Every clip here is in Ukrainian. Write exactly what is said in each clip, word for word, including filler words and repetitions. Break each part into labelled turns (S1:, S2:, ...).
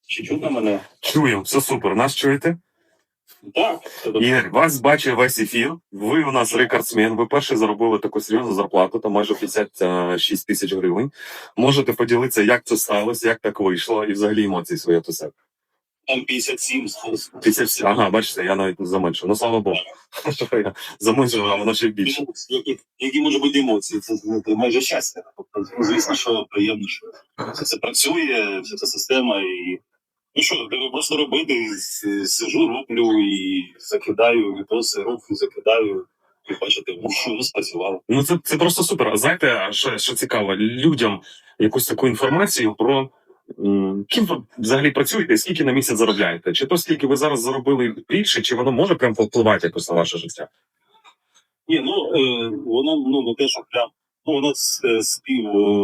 S1: Чи чутно мене?
S2: Чуємо, все супер. Нас чуєте?
S1: Так.
S2: Ігор, вас бачив весь ефір. Ви у нас рекордсмен. Ви перші заробили таку серйозну зарплату, там майже п'ятдесят шість тисяч гривень. Можете поділитися, як це сталося, як так вийшло, і взагалі емоції свої до себе.
S1: Там п'ятдесят сім.
S2: п'ятдесят сім. Ага, бачите, я навіть не заменшив. Ну, слава Богу. Я заменшив, а воно ще більше.
S1: Які, які можуть бути емоції? Це, це майже щастя. Тобто, ну, звісно, що приємно, що все це працює, вся ця система. І ну що, треба просто робити. Сижу, роблю і закидаю відоси, роблю, закидаю. І бачите, воно спрацювало.
S2: Ну, це, це просто супер. А знаєте, що, що цікаво, людям якусь таку інформацію про м, ким ви взагалі працюєте і скільки на місяць заробляєте? Чи то, скільки ви зараз заробили більше, чи воно може прям повпливати якось на ваше життя?
S1: Ні, ну, е, воно, ну, не те, що прям, ну, воно з- спів,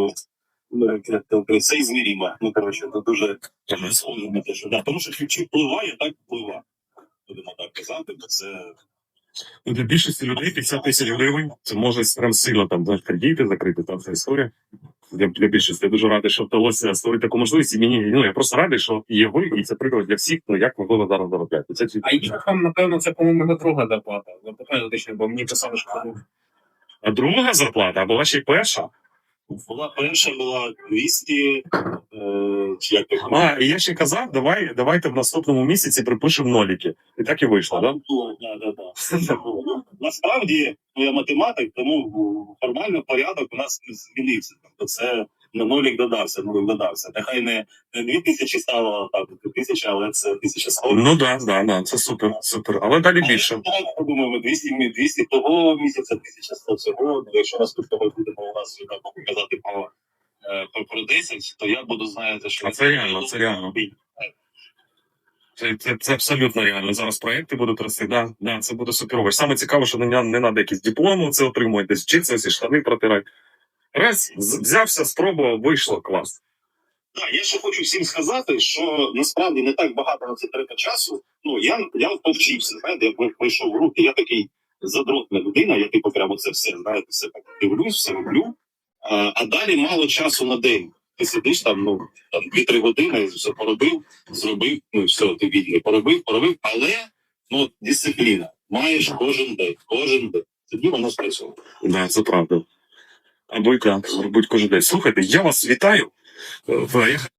S1: е, це ізмірімо. Ну, коротше, це дуже схоже на те, що, да, тому що чи впливає, так впливає. Будемо так казати, бо це...
S2: Ну, для більшості людей п'ятдесят тисяч гривень це може прям сильно там знаєш, кредити закрити, там ця історія. Для, для більшості я дуже радий, що вдалося створити таку можливість. І мені, ну, я просто радий, що є ви, і це приклад для всіх, ну, як ви зараз заробляєте. Це
S3: А їх там, напевно, це, по-моєму, не друга зарплата. Запитаю точно, бо мені писали, що це
S2: а друга зарплата, або ваша перша?
S1: Була перша, була двісті, е, чи як так?
S2: А, і я ще казав, давай, давайте в наступному місяці припишемо ноліки. І так і вийшло, так? Да?
S1: Було, да, да, да. Ну, насправді, ну, я математик, тому формально порядок у нас не змінився. Тобто це на нолік додався, нолік додався. Нехай не, не дві тисячі стало, так, дві тисячі, але це тисяча сто.
S2: Ну так, да, да, да, це супер, супер. Але далі більше.
S1: Я думаю, ми двісті, двісті того місяця, тисяча сто цього. Якщо наступного будемо у нас вже так показати по, е, по, про десять, то я буду, знаєте, що...
S2: А це реально, це реально. Це, це, це абсолютно реально. Зараз проекти будуть рости, да, да, це буде суперово. Саме цікаво, що не, не треба якісь дипломи це отримувати, десь вчитися, всі штани протирати. Раз, з- взявся, спробував, вийшло, клас.
S1: Так, я ще хочу всім сказати, що насправді не так багато на це треба часу. Ну, я, я повчився, знаєте, я пройшов в руки, я такий задротна людина, я типу прямо це все, знаєте, все так дивлюсь, все роблю. А, а далі мало часу на день. Ти сидиш там, ну, там дві-три години, все поробив, зробив, ну, і все, ти вільний, поробив, поробив, але, ну, дисципліна. Маєш кожен день, кожен день. Тоді воно спрацьовує.
S2: Да, це правда. Або і так, робить кожен день. Слухайте, я вас вітаю. Е, Я